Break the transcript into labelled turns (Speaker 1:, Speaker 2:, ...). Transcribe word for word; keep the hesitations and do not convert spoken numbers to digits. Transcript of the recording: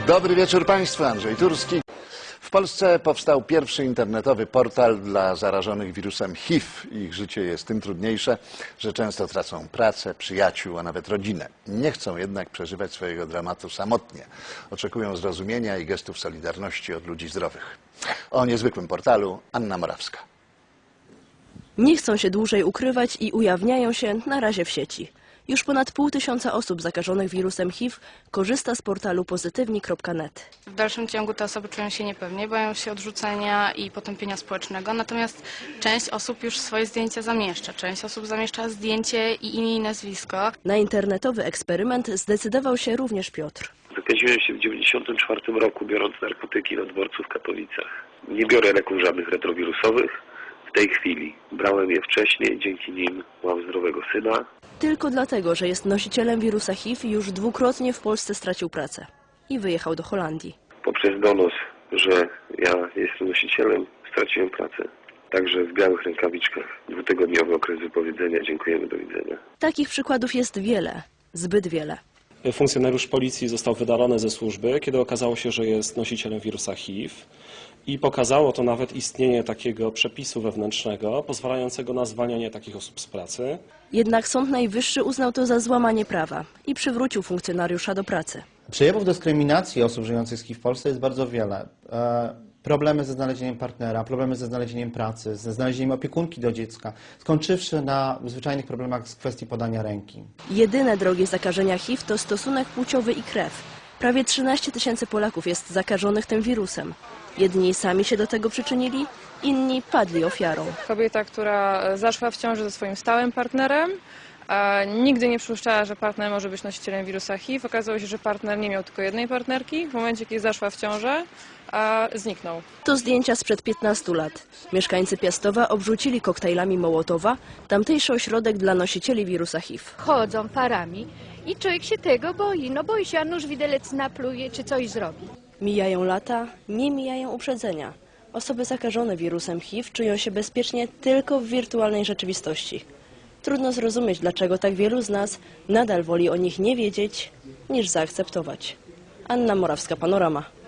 Speaker 1: Dobry wieczór Państwu, Andrzej Turski. W Polsce powstał pierwszy internetowy portal dla zarażonych wirusem H I V. Ich życie jest tym trudniejsze, że często tracą pracę, przyjaciół, a nawet rodzinę. Nie chcą jednak przeżywać swojego dramatu samotnie. Oczekują zrozumienia i gestów solidarności od ludzi zdrowych. O niezwykłym portalu Anna Morawska.
Speaker 2: Nie chcą się dłużej ukrywać i ujawniają się na razie w sieci. Już ponad pół tysiąca osób zakażonych wirusem H I V korzysta z portalu pozytywni kropka net.
Speaker 3: W dalszym ciągu te osoby czują się niepewnie, boją się odrzucenia i potępienia społecznego, natomiast część osób już swoje zdjęcia zamieszcza. Część osób zamieszcza zdjęcie i imię i nazwisko.
Speaker 2: Na internetowy eksperyment zdecydował się również Piotr.
Speaker 4: Zakaziłem się w dziewięćdziesiątym czwartym roku, biorąc narkotyki na dworcu w Katowicach. Nie biorę leków żadnych retrowirusowych w tej chwili. Brałem je wcześniej, dzięki nim mam zdrowego syna.
Speaker 2: Tylko dlatego, że jest nosicielem wirusa H I V, już dwukrotnie w Polsce stracił pracę i wyjechał do Holandii.
Speaker 4: Poprzez donos, że ja jestem nosicielem, straciłem pracę. Także w białych rękawiczkach. Dwutygodniowy okres wypowiedzenia. Dziękujemy, do widzenia.
Speaker 2: Takich przykładów jest wiele, zbyt wiele.
Speaker 5: Funkcjonariusz policji został wydalony ze służby, kiedy okazało się, że jest nosicielem wirusa H I V. I pokazało to nawet istnienie takiego przepisu wewnętrznego pozwalającego na zwalnianie takich osób z pracy.
Speaker 2: Jednak Sąd Najwyższy uznał to za złamanie prawa i przywrócił funkcjonariusza do pracy.
Speaker 6: Przejawów dyskryminacji osób żyjących z H I V w Polsce jest bardzo wiele. E, problemy ze znalezieniem partnera, problemy ze znalezieniem pracy, ze znalezieniem opiekunki do dziecka, skończywszy na zwyczajnych problemach z kwestii podania ręki.
Speaker 2: Jedyne drogi zakażenia H I V to stosunek płciowy i krew. Prawie trzynaście tysięcy Polaków jest zakażonych tym wirusem. Jedni sami się do tego przyczynili, inni padli ofiarą.
Speaker 7: Kobieta, która zaszła w ciąży ze swoim stałym partnerem, a nigdy nie przypuszczała, że partner może być nosicielem wirusa H I V. Okazało się, że partner nie miał tylko jednej partnerki. W momencie, kiedy zaszła w ciążę, a zniknął.
Speaker 2: To zdjęcia sprzed piętnastu lat. Mieszkańcy Piastowa obrzucili koktajlami Mołotowa tamtejszy ośrodek dla nosicieli wirusa H I V.
Speaker 8: Chodzą parami i człowiek się tego boi. No boi się, a nóż widelec napluje czy coś zrobi.
Speaker 2: Mijają lata, nie mijają uprzedzenia. Osoby zakażone wirusem H I V czują się bezpiecznie tylko w wirtualnej rzeczywistości. Trudno zrozumieć, dlaczego tak wielu z nas nadal woli o nich nie wiedzieć, niż zaakceptować. Anna Morawska, Panorama.